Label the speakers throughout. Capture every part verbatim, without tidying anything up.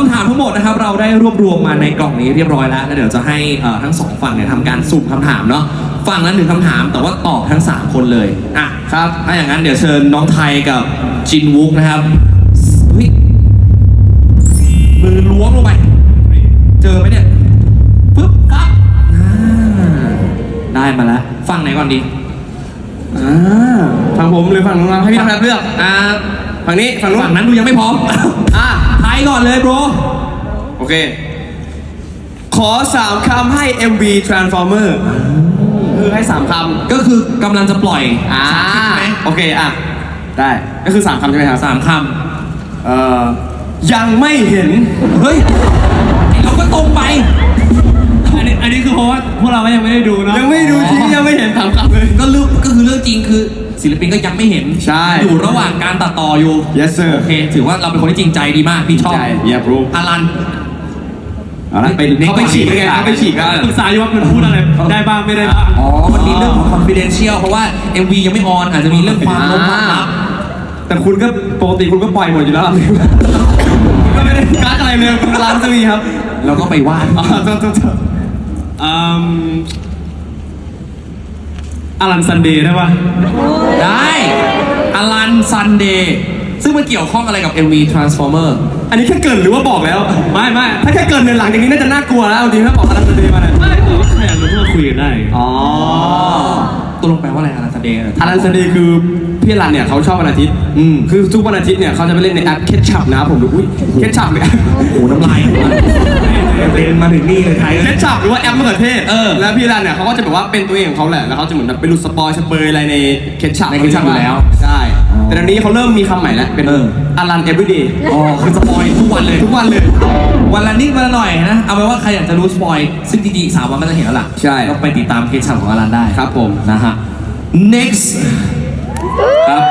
Speaker 1: ำถามทั้งหมดนะครับเราได้รวบรวมมาในกล่องนี้เรียบร้อยแล้วแล้วเดี๋ยวจะให้ทั้งสองฝั่งเนี่ยทำการสุ่มคำถามเนาะฝั่งละหนึ่งคำถามแต่ว่าตอบทั้งสามคนเลยอ่ะครับถ้าอย่างนั้นเดี๋ยวเชิญน้องไทยกับจินวุกนะครับมือล้วงลงไปเจอไหมเนี่ยปึ๊บปั๊บได้มาแล้วฝั่งไหนก่อนดี
Speaker 2: อ่าฝั่งผมหรือฝั่งน้องให้พี่ทำแบบเลือก
Speaker 1: อ่า
Speaker 2: ฝั่งนี้ฝั่งนู้น
Speaker 1: ฝั่งนั้นดูยังไม่พร้อมอ่ะไทยก่อนเลยโบร
Speaker 2: โอเคขอสามคำให้ เอ็ม วี Transformer คือให้สามค
Speaker 1: ำก็คือกำลังจะปล่อย
Speaker 2: อ่าโอเคอ่ะได้ก็คือสามคำใช่ไหมครับ
Speaker 1: สามคำ
Speaker 2: เอ่อยังไม่เห็น
Speaker 1: เฮ้ยเราก็ตรงไป
Speaker 3: อันนี้อันนี้คือเพราะว่าพวกเรายังไม่ได้ดูเนาะ
Speaker 2: ยังไม่ดูจริงยังไม่เห็นสามคำเลย
Speaker 1: ก็เรื่องก็คือเรื่องจริงคือศิลปินก็ยังไม่เห็น
Speaker 2: ใช่
Speaker 1: อยู่ระหว่างการตัดต่ออยู่
Speaker 2: yes sir
Speaker 1: โอเคถือว่าเราเป็นคนที่จริงใจดีมากพี่ชอบ
Speaker 2: อยากรู้
Speaker 1: อารัน
Speaker 2: เอาละไปเขาไปฉีกไงเขาไปฉีกก็
Speaker 3: ปรึกษาอยู่ว่ามันพูดอะไรได้บ้างไม่ได้บ้าง
Speaker 1: อ๋อมันมีเรื่องของ confidential เพราะว่า เอ็ม วี ยังไม่ออนอาจจะมีเรื่องความลับความลับ
Speaker 2: แต่คุณก็ปกติคุณก็ปล่อยหมดอยู่แล้วก็ไม่ได้กักอะไรเลยร้านจะมีครับ
Speaker 1: เราก็ไปวาด
Speaker 2: อ๋อจบจบจบ
Speaker 3: อลันซันเดย์ได้ปะ
Speaker 1: ได้อลันซันเดย์ซึ่งมันเกี่ยวข้องอะไรกับ เอ็ม วี Transformer
Speaker 2: อันนี้แค่เกินหรือว่าบอกแล้ว
Speaker 3: ไม่ไม่
Speaker 2: ถ้าแค่เกินในหลังอย่างนี้น่าจะน่ากลัวแล้วจริงถ้าบอกอลันซันเดย์มาเนี่ย
Speaker 3: ไม่ผมแค่รู้ว่าคุยกันได้
Speaker 2: อ๋อ
Speaker 1: ตัวลงแปลว่าอะไรอลันซันเดย์
Speaker 2: อลันซันเดย์คือพี่อลันเนี่ยเขาชอบวันอาทิตย์คือทุกวันอาทิตย์เนี่ยเขาจะไปเล่นในแอปเคทชัพนะครับผมดูอุ้ยเคทชัพเนี่ย
Speaker 1: โอ้น้ำลายเป็นมาถึงนี่เลยไทย
Speaker 2: เคทชัพหรือว่าแอปมะเขือเทศแล้วพี่อลันเนี่ยเขาก็จะแบบว่าเป็นตัวเองของเขาแหละแล้วเขาจะเหมือนแบบไปหลุดสปอยสเปอร์อะไรในเคทชัพ
Speaker 1: ในเคทชัพอยู่แล้ว
Speaker 2: ใช่แต่ตอนนี้เขาเริ่มมีคำใหม่แล้วเป็นอลัน everyday
Speaker 1: อ๋อคือสปอยทุกวันเลย
Speaker 2: ทุกวันเลย
Speaker 1: วันละนิดวันละหน่อยนะเอาไว้ว่าใครอยากจะรู้สปอยซึ่งจริงๆสามวันก็จะเห็นแล้วล่ะ
Speaker 2: ใช่
Speaker 1: ก็ไปติดตามเคทชัพของอลันได้
Speaker 2: ครับผม
Speaker 1: นะฮะ next
Speaker 2: ครับ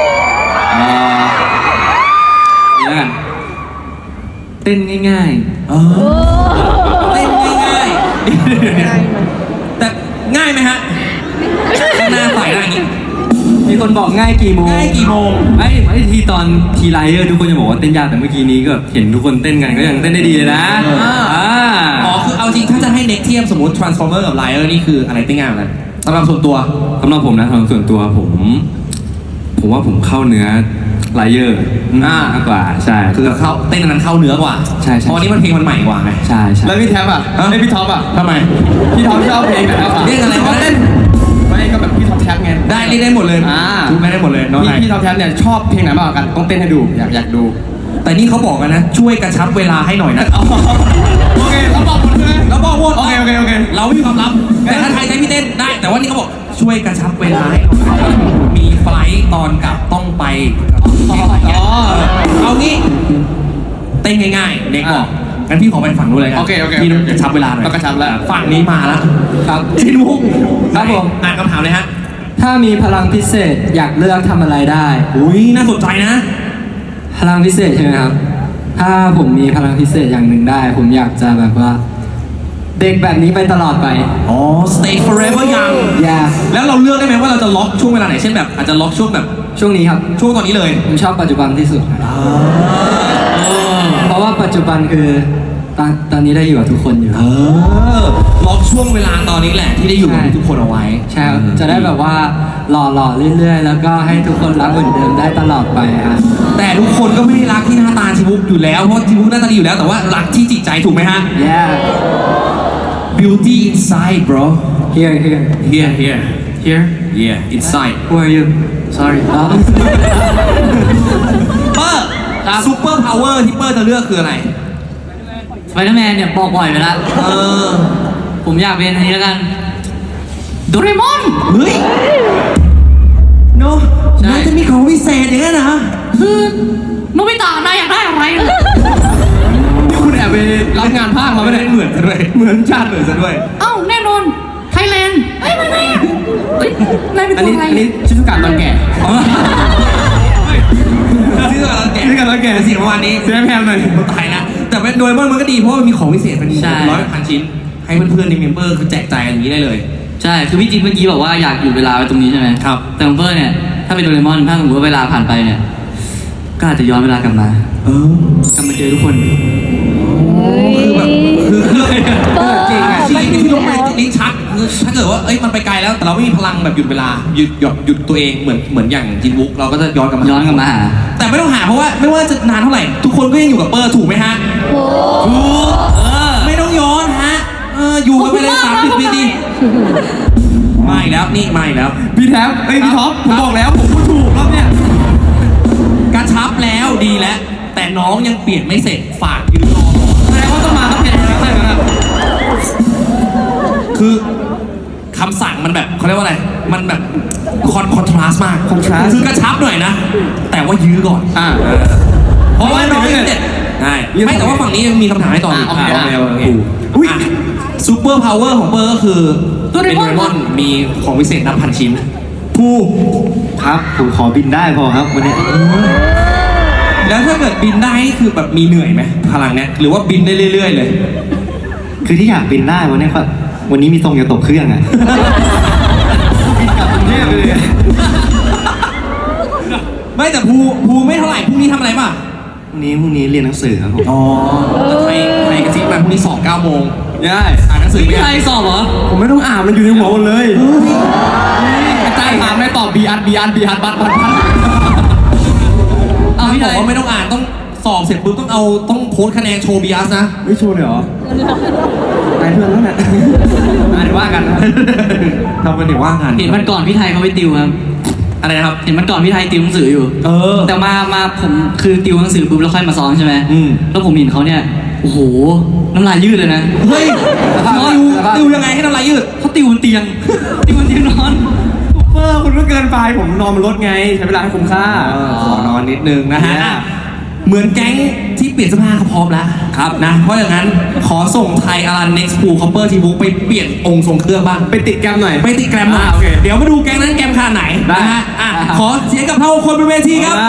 Speaker 2: นี่แล้วกัน
Speaker 3: เต้นง่ายๆ
Speaker 1: เต้นง่ายๆแต่ง่ายไหมฮะหน้าใส่ได้อย่างนี้
Speaker 3: มีคนบอกง่ายกี่โมง
Speaker 1: ง่ายกี่โมง
Speaker 3: ไอ้ไอ้ทีตอนทีไลเออร์ทุกคนจะบอกว่าเต้นยากแต่เมื่อกี้นี้ก็เห็นทุกคนเต้นกันก็ยังเต้นได้ดีเลยนะ
Speaker 1: อ๋อคือเอาจริงถ้าจะให้เน็กเทียมสมมติ Transformer กับ Liar นี่คืออะไรเต้นง่ายกว่ากันสำหรับส่วนตัว
Speaker 3: สำหรับผมนะสำหรับส่วนตัวผมผมว่าผมเข้าเนื้อไลเออร์มากกว่าใช่
Speaker 1: คือเข้าเต้นนั้นเข้าเนื้อกว่า
Speaker 3: ใช่ใช่
Speaker 1: เพราะนี้มันเพลงมันใหม่กว่าไง
Speaker 3: ใช่ใช่
Speaker 2: แล้วพี่แท็บอ่ะไอ้พี่ท็อปอ่ะ
Speaker 1: ทำไม
Speaker 2: พี่ท็อปชอบเพลงไหนครับ
Speaker 1: เรียกอะไรวะ
Speaker 2: เต้นไม่ก็แบบพี่ท็อปแท็บไง
Speaker 1: ได้เรียกได้หมดเลยทุกไม่ได้หมดเลยน้องไหน
Speaker 2: พี่ท็อปแท็บเนี่ยชอบเพลงไหนมากกว่ากันต้องเต้นให้ดูอยากอยากดู
Speaker 1: แต่นี่เขาบอกกันนะช่วยกระชับเวลาให้หน่อยนะ
Speaker 2: โอเคเราบอกหมดเลย
Speaker 1: เราบอกหมด
Speaker 2: โอเคโอเคโอเค
Speaker 1: เราไม่มีความลับแต่ถ้าใครใช้พี่เต้นได้แต่ว่านี่เขาบอกช่วยกระชับเวลาให้หน่อยมีไฟล์ตอนกลับต้องไปเอางี้เต้นง่ายๆเด็กบอกงั้นพี่ขอไปฝั่งนู้นเลยกัน
Speaker 2: โอเคโอเค
Speaker 1: พี่กระชับเวลาหน่อย
Speaker 2: กระชับแล้ว
Speaker 1: ฝั่งนี้มาแล้ว
Speaker 3: ครับ
Speaker 1: ชินวุ้ง
Speaker 3: ครับผม
Speaker 1: อ่านคำถามเลยฮะ
Speaker 3: ถ้ามีพลังพิเศษอยากเลือกทำอะไรได้
Speaker 1: อุ้ยน่าสนใจนะ
Speaker 3: พลังพิเศษใช่ไหมครับถ้าผมมีพลังพิเศษอย่างหนึ่งได้ผมอยากจะแบบว่าเด็กแบบนี้ไปตลอดไป
Speaker 1: อ๋อ stay forever young
Speaker 3: อย่า
Speaker 1: แล้วเราเลือกได้ไหมว่าเราจะล็อกช่วงเวลาไหนเช่นแบบอาจจะล็อกช่วงแบบ
Speaker 3: ช่วงนี้ครับ
Speaker 1: ช่วงตอนนี้เลย
Speaker 3: ผมชอบปัจจุบันที่สุดเพราะว่าปัจจุบันคือตอนตอนนี้ได้อยู่กับทุกคนอยู่
Speaker 1: ล็อกช่วงเวลาตอนนี้แหละที่ได้อยู่กับทุกคนเอาไว้
Speaker 3: ใช่จะได้แบบว่าหล่อๆเรื่อยๆแล้วก็ให้ทุกคนรักเหมือนเดิมได้ตลอดไปฮะ
Speaker 1: แต่ทุกคนก็ไม่ได้รักที่หน้าตาชิบุกอยู่แล้วเพราะชิบุกหน้าตาดีอยู่แล้วแต่ว่ารักที่จิตใจถูกไหมฮะ
Speaker 3: yeah
Speaker 1: beauty inside bro
Speaker 3: here here
Speaker 1: here here
Speaker 3: here
Speaker 1: yeah inside
Speaker 3: who are you sorry เ
Speaker 1: ปอร์ซูเปอร์พาวเวอร์ที่เปอร์จะเลือกคืออะไร
Speaker 3: สไปเดอร์แมนเนี่ยบอกบ่อยไปแล้วเออผมอยากเป็นอันนี้แล้วกันโดเรมอน
Speaker 1: เฮ้ยโน้น่าจะมีของวิเศษอย่างนั้นนะ
Speaker 3: คือโนบิตะนายอยากได้อะไร
Speaker 2: นี่คุณแอบไปรับงานภาคมาไม่ได้
Speaker 1: เหมือนซะด้วยเหมือนชาติเหมือนซะด้วย
Speaker 3: เอ้าแน่นอนไทยแลนด์เอ้ยไม่ไม่เฮ้ยนายเป็นตัวอะไร
Speaker 2: อันนี้ชิซุกะตอนแก่
Speaker 1: ชิซุกะตอนแก่
Speaker 2: ชิซุกะตอนแก่
Speaker 1: สิ่งประมาณนี้
Speaker 2: เสียแพงหน่อย
Speaker 1: ตายนะแต่โดยมันก็ดีเพราะมันมีของพิเศษเป็นร้อยพันชิ้นให้เพื่อนๆในเมมเบอร์คือแจกจ่ายอย่างนี้ได้เลย
Speaker 3: ใช่คือพี่จิ๊บเมื่อกี้บอกว่าอยากอยู่เวลาไว้ตรงนี้ใช่ไหม
Speaker 1: ครับ
Speaker 3: แต่เมมเบอร์เนี่ยถ้าเป็นโดเรมอนถ้าสมมติว่าเวลาผ่านไปเนี่ยก็อาจจะย้อนเวลากลับมา
Speaker 1: เออก
Speaker 3: ลับมาเจอทุกคน
Speaker 1: คือแบบคือคือ
Speaker 4: เออ
Speaker 1: จริงอะชีวิตที่ลงไปลิ้นชักคือถ้าเกิดว่าเอ้ยมันไปไกลแล้วแต่เราไม่มีพลังแบบหยุดเวลาหยุดหยุดหยุดตัวเองเหมือนเหมือนอย่างจินวุกเราก็จะย้อนกลับมา
Speaker 3: ย้อนกลับมาหา
Speaker 1: แต่ไม่ต้องหาเพราะว่าไม่ว่าจะนานเท่าไหร่ทุกคนก็ยังอยู่กับเปอร์ถูกไหมฮะ
Speaker 4: โอ้
Speaker 1: ถูกเออไม่ต้องย้อนฮะเอออยู่กันไปเลยสามสิบปีดีมาอีกแล้วนี่มาอีกแล้ว
Speaker 2: พี่แท็บเอ้ยพี่ท็อปผมบอกแล้วผมพูดถูกรอบเนี่ย
Speaker 1: กระชับแล้วดีแล้ว แต่น้องยังเปลี่ยนไม่เสร็จฝากยืนรอก่อน
Speaker 2: แสดงว่าต้องมาต้องเปลี่ยนแล้วใช่ไหมครับ
Speaker 1: คือคำสั่งมันแบบเขาเรียกว่าอะไร มันแบบคอนคอนทราสต์มาก
Speaker 2: contrast
Speaker 1: คือกระชับหน่อยนะ แต่ว่ายื้อก่อน
Speaker 2: อ่า
Speaker 1: เพราะว่าน้องยังเด็ดใช่ไม่แต่ว่าฝั่งนี้ยังมีคำถามให้ต่ออีก
Speaker 2: อ่ะโอเค
Speaker 1: โอเคโอเค
Speaker 2: อุ๊ย
Speaker 1: ซูเปอร์พาวเวอร์ของเปอร์ก็คือ
Speaker 4: โดเร
Speaker 1: เป็น
Speaker 4: มอน
Speaker 1: โดเรมอนมีของวิเศษนับพันชิ้น
Speaker 3: ผู้ครับผมขอบินได้พอครับวันนี้
Speaker 1: แล้วถ้าเกิดบินได้นี่คือแบบมีเหนื่อยไหมพลังเนี้ยหรือว่าบินได้เรื่อยๆเลย
Speaker 3: คือที่อยากบินได้วันนี้ครับวันนี้มีทรงจะตกเครื่องอ่ะ บินกลับกรุงเทพไปเลย
Speaker 1: ไม่แต่ภูภูไม่เท่าไหร่พรุ่งนี้ทำอะไรป่ะ
Speaker 3: พรุ่งนี้พรุ่งนี้เรียนหนังสือครับผม
Speaker 1: อ๋อแล้วไทยไทยกระซิบมาพรุ่งนี้สอบเก้าโมง
Speaker 2: ได้
Speaker 1: อ่านหนังสือไม่
Speaker 2: พี่
Speaker 1: ได้
Speaker 2: ไทยสอบเหรอ ผมไม่ต้องอ่านมันอยู่ในหัวหมดเลยอาจารย์ถามไม่ตอบบีอัดบีอัดบีอัดบัตบัตบัต
Speaker 1: เอาพี่บอกว่าไม่ต้องอ่านต้องสอบเสร็จปุ๊บต้องเอาต้องโพสต์คะแนนโชว์บีอาร์สนะ
Speaker 2: ไม่โชว์เลยเหรอตายเพื่อนแล้วเนี่ยอ่านว่ากันนะ
Speaker 1: ทำกันเดี๋ยวว่างาน
Speaker 5: เห็นวันก่อนพี่ไทยเขาไปติวครับ
Speaker 1: อะไรนะครับ
Speaker 5: เห็นวันก่อนพี่ไทยติวหนังสืออยู่
Speaker 1: เออ
Speaker 5: แต่มามาผมคือติวหนังสือปุ๊บแล้วค่อยมาซ้อมใช่ไหม
Speaker 1: อืม
Speaker 5: แล้วผมเห็นเขาเนี่ย โอ้โห น้ำลายยืดเลยนะ
Speaker 1: เฮ้ยติวติวยังไงให้น้ำลายยืด
Speaker 5: เขาติวบนเตียง ติวบนเตียงนอน
Speaker 2: เออคุณก็เกินไปผมนอนบนรถไง ใช้เวลาให้คุ้มค่า
Speaker 1: ขอนอนนิดนึงนะฮะ
Speaker 2: เนี่ย
Speaker 1: อ่ะเหมือนแก๊งที่เปลี่ยนเสื้อผ้าเขาพร้อมแล้วครับนะ เพราะอย่างนั้นขอส่งไทยอารัน next pool copper ทีบุ๊กไปเปลี่ยนองค์ทรงเครื่องบ้าง
Speaker 2: ไปติดแกรมหน่อย
Speaker 1: ไปติดแกรมหน่อย
Speaker 2: อ่าโอเค
Speaker 1: เดี๋ยวมาดูแก๊งนั้นแกรมขนาดไหน
Speaker 2: ได้
Speaker 1: นะฮะอ่ะขอเสียงกับเท่าคนบนเวทีครับ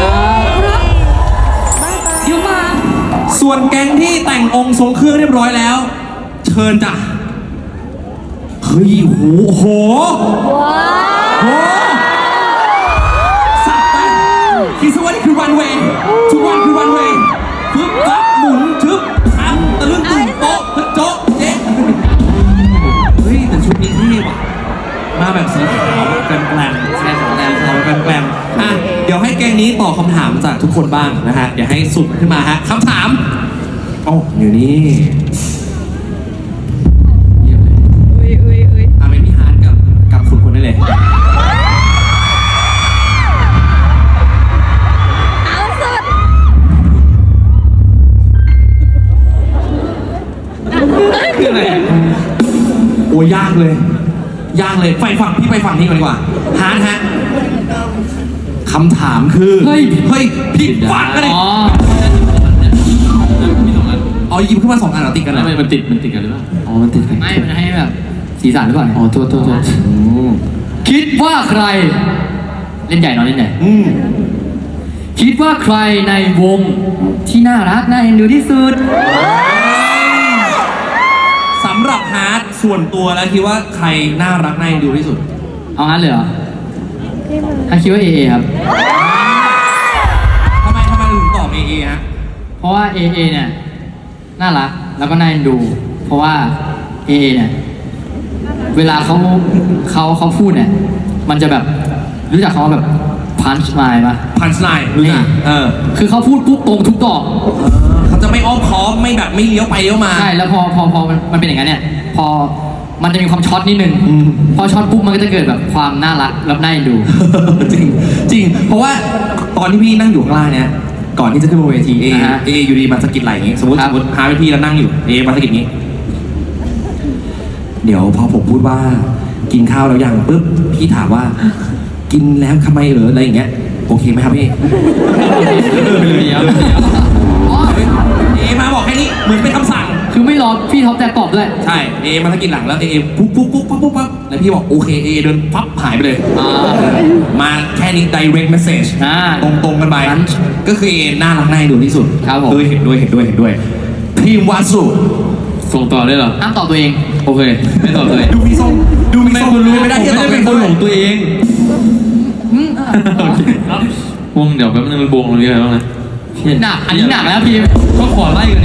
Speaker 4: เดี๋ยวมา
Speaker 1: ส่วนแก๊งที่แต่งองค์ทรงเครื่องเรียบร้อยแล้ว เชิญจ้ะเฮ้ยโหโห
Speaker 4: ว้า
Speaker 1: โหสับไปคิดซะว่านี่คือรันเวย์ทุกวันคือรันเวย์ฟึบฟับหมุนชึบทำตะลึงตึงโป๊ะฮึดโจ๊ะเจ๊เฮ้ยแต่ชุดนี้เท่ว่ะมาแบบสีขาวแกลมแกลมใช่ขาวแกลมขาวแกลมแกลมอ่ะเดี๋ยวให้แก๊งนี้ตอบคำถามจากทุกคนบ้างนะฮะเดี๋ยวให้สุ่มขึ้นมาฮะคำถามโอ้อยู่นี่เยี่ยมเลย
Speaker 4: อุ้ยอุ้ยอุ้ย
Speaker 1: อ่ะเป็นพี่ฮาร์ดกับกับคุณคนได้เลย
Speaker 4: เอาสุด
Speaker 2: คืออะไร
Speaker 1: โอ้ยยากเลย ยากเลยไปฝั่งพี่ไปฝั่งนี้ก่อนดีกว่าฮาร์ดฮะคำถามคือ
Speaker 5: เฮ้ย
Speaker 1: เฮ้ยผิดฝั่งกันเลย
Speaker 5: อ๋อ
Speaker 1: อ๋อหยิบขึ้นมาสองอันเหรอติดกันเหรอ
Speaker 5: มันติด มันติดกันหรือเปล่า อ๋อ มันติดไม่ มันให้แบบสีสันหรือเปล่า อ๋อ โทษโทษโทษคิดว่าใคร เล่นใหญ่เนอะเล่นใหญ่
Speaker 1: อืม
Speaker 5: คิดว่าใครในวงที่น่ารักน่าเอ็นดูที่สุด
Speaker 1: สำหรับฮาร์ดส่วนตัวแล้วคิดว่าใครน่ารักน่าเอ็นดูที่สุด
Speaker 5: เอางั้นเลยเหรอถ้าคิดว่าเอเอครับ
Speaker 1: ทำไมทำไมถึงตอบเอเอฮะ
Speaker 5: เพราะว่าเอเอเนี่ยน่ารักแล้วก็น่าเอ็นดู เพราะว่าเอเอเนี่ยเวลาเขาเขาเขาพูดเนี่ย มันจะแบบรู้จักเขาว่าแบบพันช์ไลน์ปะ
Speaker 1: พันช์ไลน์รู้จักเออ
Speaker 5: คือเขาพูดปุ๊บตรงทุกดอก
Speaker 1: เขาจะไม่อ้อมค้อมไม่แบบไม่เลี้ยวไปเลี้ยวมา
Speaker 5: ใช่แล้วพอพอพอมันมันเป็นอย่างนั้นเนี่ย พอมันจะมีความช็อตนิดนึง
Speaker 1: อืม
Speaker 5: พอช็อตปุ๊บมันก็จะเกิดแบบความน่ารักแล้วน่าเอ็นดู
Speaker 1: จริงจริง เพราะว่าตอนที่พี่นั่งอยู่ข้างล่างเนี่ยก่อนที่จะขึ้นบนเวทีเอ
Speaker 5: อ่าฮะ
Speaker 1: เออยู่ดีมาสะกิดไหล่อย่างงี้สมมติ
Speaker 5: ครั
Speaker 1: ส
Speaker 5: บ
Speaker 1: มมติพาไปพี่แล้วนั่งอยู่เอมาสะกิดงี้ เดี๋ยวพอผมพูดว่ากินข้าวแล้วยังปุ๊บพี่ถามว่า กินแล้วทำไมเหรออะไรอย่างเงี้ยโอเคไหมครับพี่
Speaker 5: เดี๋ยวเดี๋ยวอ๋อ
Speaker 1: เอมาบอกแค่นี้เหมือนเป็นคำสั่ง
Speaker 5: คือไม่รอพี่ท็อปแต่ตอบด้วย
Speaker 1: ใช่เอมาสะกิดหลังแล้วเอปุ๊บปุ๊บปุ๊บปุ๊บปุ๊บปุ๊บแล้วพี่บอกโอเคเอเดินปั๊บหายไปเลย
Speaker 5: อ่า
Speaker 1: มาแค่นี้ direct message
Speaker 5: อ่า
Speaker 1: ตรงตรงๆกันไป ก็คือเอน่ารักน่าเอ็นดูที่สุด
Speaker 5: ครับผม
Speaker 1: ด้วยเห็นด้วยเห็นด้วยเห็นด้วยทีมวาสุ
Speaker 5: ส่งต่อได้เหรอห้ามตอบตัวเอง
Speaker 2: โอเค ไม่ตอบเลย
Speaker 1: ดูมีทรงดูมีทรง
Speaker 2: คุณรู้
Speaker 1: ไม่ได้ที่จะตอบ
Speaker 2: เป็นคนของตัวเอง
Speaker 6: วงเดี๋ยวแป๊บนึงมันวงตรงนี้อะไรบ้างนะ
Speaker 5: หนัก อันนี้หนักแล้วพี่
Speaker 6: ก็ขอไล่กันดิ
Speaker 5: คุ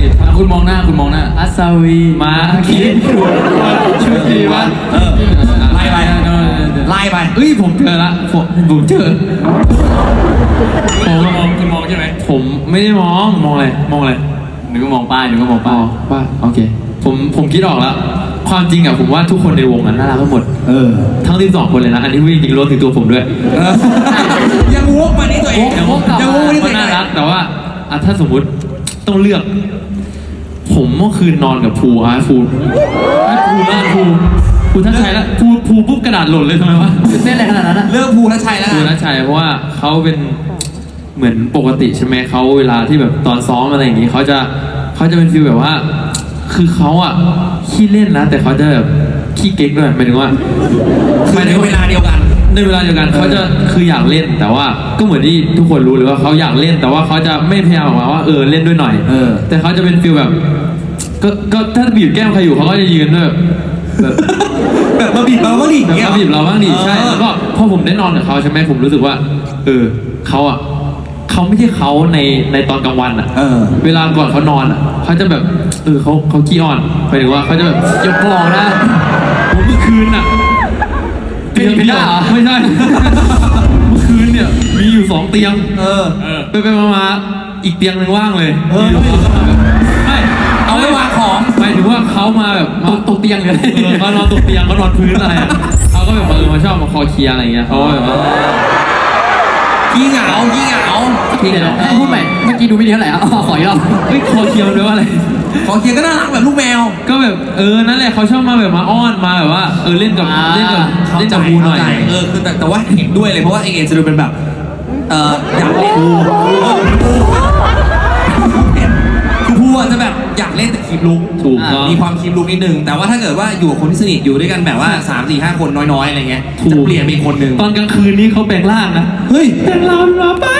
Speaker 5: คุณมองหน้าคุณมองหน้าอัศวีมาคิดชุติวัฒน์
Speaker 1: เออไล่ไปไล่ไป
Speaker 5: เอ้ยผมเจอละผมผมเจอผมมองคุณมองใช่ไหมผมไม่ได้มองมองอะไรมองอะไรหนูก็มองป้ายหนูก็มองป้ายป้ายโอเคผมผมคิดออกแล้วความจริงอะผมว่าทุกคนในวงนั้นน่ารักทั้งหมด
Speaker 1: เออ
Speaker 5: ทั้งสิบสองคนเลยนะอันนี้พูดจริงๆรวมถึงตัวผมด้วย
Speaker 1: เออยังวกมานี่ตัวเอง
Speaker 5: ยังวก
Speaker 1: ยังวกมานี่ตัว
Speaker 5: มัน
Speaker 1: เอง
Speaker 5: น่ารักแต่ว่าอ่ะถ้าสมมุติต้องเลือก ผมเมื่อคืนนอนกับภูอ่ะภูภูน่าภูภูท่านชัยแล้วภูภูปุ๊บกระดาษหล่นเลยทำไมวะเต้นอะไรขนาดนั้นอะ
Speaker 1: เลือกภูทัชชัยแล้ว
Speaker 5: ภู
Speaker 1: กัน
Speaker 5: ท่านชัยเพราะว่าเขาเป็นเหมือนปกติใช่ไหมเขาเวลาที่แบบตอนซ้อมอะไรอย่างงี้เขาจะเขาจะเป็นฟีลแบบว่า คือเขาอะขี้เล่นนะแต่เขาจะแบบขี้เก๊กด้วยหมายถึงว่า
Speaker 1: หมายถึงเวลาเดียวกัน
Speaker 5: ในเวลาเดียวกันเขาจะคืออยากเล่นแต่ว่าก็เหมือนที่ทุกคนรู้เลยว่าเขาอยากเล่นแต่ว่าเขาจะไม่พยายามออกมาว่าเออเล่นด้วยหน่อย
Speaker 1: เออ
Speaker 5: แต่เขาจะเป็นฟีลแบบ ก็ก็ถ้าบีบแก้มใครอยู่เขาก็จะยืนด้วยแบบแบบ
Speaker 1: แบบมาบีบเราบ้างดิ
Speaker 5: แบบมาบีบเราบ้างดิใช่แล้วก็พอผมได้นอนกับเขาใช่ไหมผมรู้สึกว่า เออเขาอ่ะเขาไม่ใช่เขาในในตอนกลางวันอ่ะ
Speaker 1: เออ
Speaker 5: เวลาก่อนเขานอนอ่ะเขาจะแบบเออเขาเขาขี้อ่อนหมายถึงว่าเขาจะแบบยกบอกนะผมเมื่อคืนอ่ะ เตียงเดียวไม่ใช่ เมื่อคืนเนี่ยมีอยู่สองเตียง
Speaker 1: เออ
Speaker 5: ไปไปมามาอีกเตียงหนึงว่างเลย
Speaker 1: เออ
Speaker 5: ไม่
Speaker 1: เอาไว้วางของ
Speaker 5: หมายถึงว่าเขามาแบบตกตกเตียงเลยเออเขานอนตกเตียงเขานอนพื้นอะไรอ่ะเขาก็แบบเออมาชอบมาคอเคลียร์อะไรเงี้ยเขาก็แบบว่า
Speaker 1: ขี้เหงาขี้เหงา
Speaker 5: เดี๋ยวพูดใหม่เมื่อกี้ดูไม่ดีเท่าไหร่อ่ะขออีกรอบเฮ้ยคอเคลียร์มันแปลว่าอะไร
Speaker 1: ขอเคียร์ก็น่ารักแบบลูกแมว
Speaker 5: ก็แบบเออนั่นแหละเขาชอบมาแบบมาอ้อนมาแบบว่าเออเล่นกับเล่นกับเล่นกับบูหน่อย
Speaker 1: เข้าใจเออคือแต่แต่ว่าเห็นด้วยเลยเพราะว่าเอเอจะดูเป็นแบบเอออยากเล่นคือพูอ่ะจะแบบอยากเล่นแต่คีบลุก
Speaker 5: ถูกต้อง
Speaker 1: มีความคีบลุกนิดนึงแต่ว่าถ้าเกิดว่าอยู่กับคนที่สนิทอยู่ด้วยกันแบบว่าสามสี่ห้าคนน้อยๆอะไรเงี้ยจะเปลี่ยนเป็นคนหนึ่ง
Speaker 5: ตอนกลางคืนนี้เขาแปลงร่างนะ
Speaker 1: เฮ้ย
Speaker 5: แปลงร่างมาไป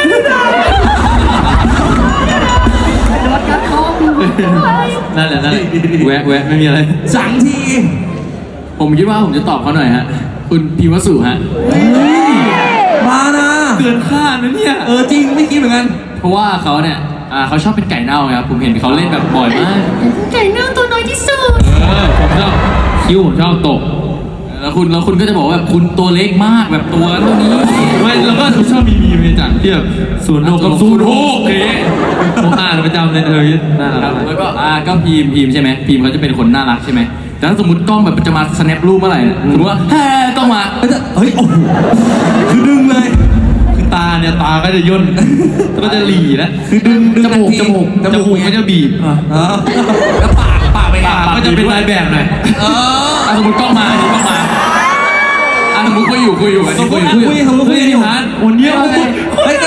Speaker 5: นั่นแหละนั่นแหละแวะแวะไม่มีอะไร
Speaker 1: สังที
Speaker 5: ผมคิดว่าผมจะตอบเขาหน่อยฮะคุณพีวสุฮะ
Speaker 1: มานะ
Speaker 5: เกินคาดนะเนี่ย
Speaker 1: เออจริงไม่คิดเหมือนกัน
Speaker 5: เพราะว่าเขาเนี่ยอ่าเขาชอบเป็นไก่เน่าไงครับผมเห็นเขาเล่นแบบบ่อยมาก
Speaker 4: ไก่เน่าตัวน้อยที่สุด
Speaker 5: เออผมชอบคิ้วผมชอบตกแล้วคุณแล้วคุณก็จะบอกว่าแบบคุณตัวเล็กมากแบบตัวเท่านี้ไม่แล้วก็ชอบมีมีในจังที่แบบศูนย์โนกับศูนย์โฮกเอ๊ะผมอ่านประจำเลยเออน่ารักแล้วก็อ่าก็พีมพีมใช่ไหมพีมเขาจะเป็นคนน่ารักใช่ไหมแต่ถ้าสมมติกล้องแบบจะมาสแนปรูปเมื่อไหร่เนี่ยสมมติว่าแฮ่กล้องมา
Speaker 1: เฮ้ยเฮ้ยโอ้โหคือดึงเลย
Speaker 5: คือตาเนี่ยตาก็จะย่นก็จะหลีแล้ว
Speaker 1: คือดึงดึง
Speaker 5: จมูก
Speaker 1: ทันที
Speaker 5: จมูก
Speaker 1: จ
Speaker 5: จ
Speaker 1: มู
Speaker 5: มู
Speaker 1: ก
Speaker 5: กก็จะบีบ
Speaker 1: เออแล้วปากปากไปไง
Speaker 5: ปากก็จะเป็นลายแบบหน่อย
Speaker 1: เออ
Speaker 5: อ่ะสมมติกล้องมาอันนี้กล้องมาอ่ะสมมติคุยอยู่คุยอยู่อันนี้คุยอยู่
Speaker 1: สมมุติคุยสมมุติคุย
Speaker 5: เฮ้ยนี่ฮะวันนี้เอา
Speaker 1: เฮ้ยก็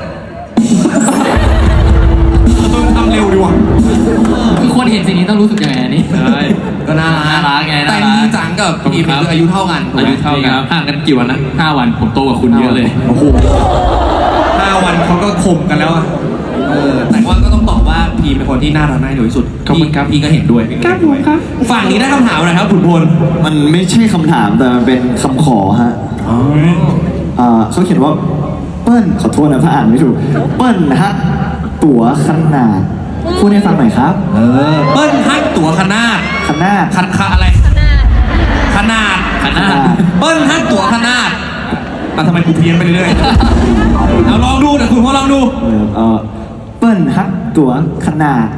Speaker 1: ต้องทำเร็วดีว่ะ
Speaker 5: คือคนเห็นสิ่งนี้ต้องรู้สึกยังไงอันนี้ใช่
Speaker 1: ก็น่ารัก
Speaker 5: น่ารักไงน่า
Speaker 1: แต่
Speaker 5: รัก
Speaker 1: มีจังกับพีมคืออายุเท่ากันถูก
Speaker 5: อา
Speaker 1: ไหม
Speaker 5: ยุเท่ากันห่างกันกี่วันนะห้าวันผมโตกว่าคุณเยอะเลย
Speaker 1: โอ้โหห้าวันเขาก็ข่มกันแล้วอะเออแต่ว่าก็ต้องตอบว่าพีมเป็นคนที่น่ารักน่าดูที่สุด
Speaker 5: ขอบคุณครับ
Speaker 1: พี่ก็เห็นด้วยครับผมครับฝั่งนี้ได้คำถามอะไรครับขุนพล
Speaker 6: มันไม่ใช่คำถามแต่มันเป็นคำขอฮะอ่าเขาเขียนว่าเปิ้ลขอโทษนะถ้าอ่านไม่ถูก เปิ้ลฮะตั๋วขนาดพูดให้ฟังหน่อยครับ
Speaker 1: เออเปิ้ลฮักตั๋วขนาด
Speaker 6: ขนาด
Speaker 1: คันคาอะไร ขนาด
Speaker 5: ขนาด
Speaker 1: เปิ้ลฮักตั๋วขนาดแต่ทำไมกูเพี้ยนไปเรื่อยๆเอาลองดูเดี๋ยวคุณพ่อลองดู
Speaker 6: เออเออเปิ้ลฮะตั๋วขนาด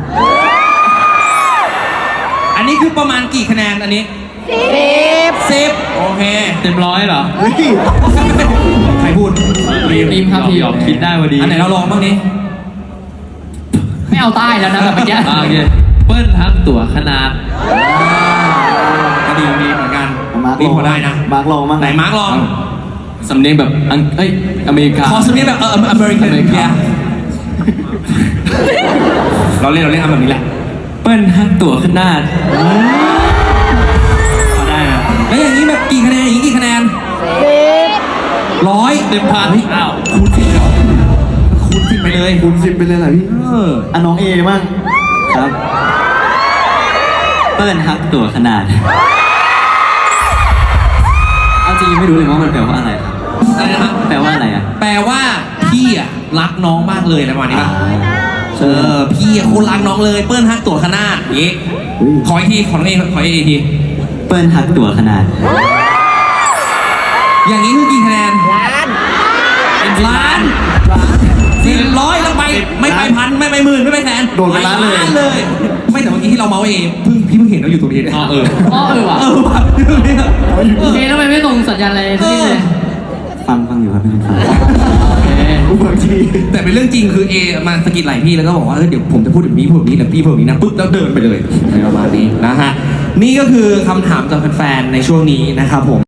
Speaker 1: อันนี้คือประมาณกี่คะแนนอันนี้
Speaker 4: สิบ
Speaker 1: สิบโอเค
Speaker 5: เต็มร้อยเหรอ
Speaker 6: เฮ้ย
Speaker 1: ใครพูด
Speaker 5: ทีมครับทีมคิดได้พอดี
Speaker 1: อันไหนเราลองบ้างนี้
Speaker 5: ไม่เอาใต้แล้วนะแบบเมื่อกี้โอเคเปิ้ลทั้งตั๋วขนาด
Speaker 1: ก็ดีดีเหมือนกัน
Speaker 6: มาร์ก
Speaker 1: นี่
Speaker 6: ลอง
Speaker 1: พอได้นะ
Speaker 6: มาร์กลองมั้ง
Speaker 1: ไหนมาร์กลอง
Speaker 5: สำเนียงแบบอังเอ้ยอเมริกา
Speaker 1: ขอสำเนียงแบบเอออเมริกัน
Speaker 5: อเมริกา
Speaker 1: เราเล่นเราเล่นทำแบบนี้แหละ
Speaker 5: เปิ้ลทั้งตั๋วขนาดพอได้นะ
Speaker 1: แล้วอย่างนี้แบบกี่คะแนนอย่างนี้กี่คะแนน
Speaker 4: สิบ
Speaker 1: ร้อย
Speaker 5: เต็มพันอ้าว
Speaker 1: คูณสิบเลยเหรอคูณสิบไปเลย
Speaker 6: คูณสิบไปเลยเหรอพี่
Speaker 1: เออ
Speaker 6: อ่ะน้องเอมั่งครับ
Speaker 3: เปิ้ลฮักตั๋วขนาดเอาจริงไม่รู้เลยว่ามันแปลว่าอะไรครับ
Speaker 1: อะไรนะ
Speaker 3: แปลว่าอะไรอ่ะ
Speaker 1: แปลว่าพี่อ่ะรักน้องมากเลยอะไรประมาณนี้ป่ะ
Speaker 6: ใช่
Speaker 1: เออพี่อะคนรักน้องเลยเปิ้ลฮักตัวขนาดอย่างงี้
Speaker 6: อุ๊ย
Speaker 1: ขออีกทีขอน้องเอขออีกที
Speaker 3: เปิ้ลฮักตัวขนาด
Speaker 1: อย่างนี้คือกี่คะแนน
Speaker 4: ล้าน
Speaker 1: ล้านสิบร้อยแล้วไปไม่ไปพันไม่ไปหมื่นไม่ไปแสน
Speaker 6: โดนไปล้านเลย
Speaker 1: เลย ไม่แต่เมื่อกี้ที่เราเมาส์เองเพิ่งพี่เพิ่งเห็นเราอยู่ตรงนี้เนี่ย
Speaker 2: อ๋อเออ
Speaker 5: อ๋อเออว่ะ
Speaker 1: เออว่ะอยู่ตรงนี้
Speaker 5: โอเคทำไมไม่ส่งสัญญาณอะไรสักนิดเลย
Speaker 3: ฟังฟังอยู่ครับไม่ฟัง
Speaker 5: โอเค
Speaker 6: บางที
Speaker 1: แต่เป็นเรื่องจริงคือเอมาสะกิดไหล่พี่แล้วก็บอกว่าเออเดี๋ยวผมจะพูดแบบนี้พูดแบบนี้แต่พี่พูดแบบนี้นะปุ๊บแล้วเดินไปเลยประมาณนี้นะฮะนี่ก็คือคำถามจากแฟนๆในช่วงนี้นะครับผม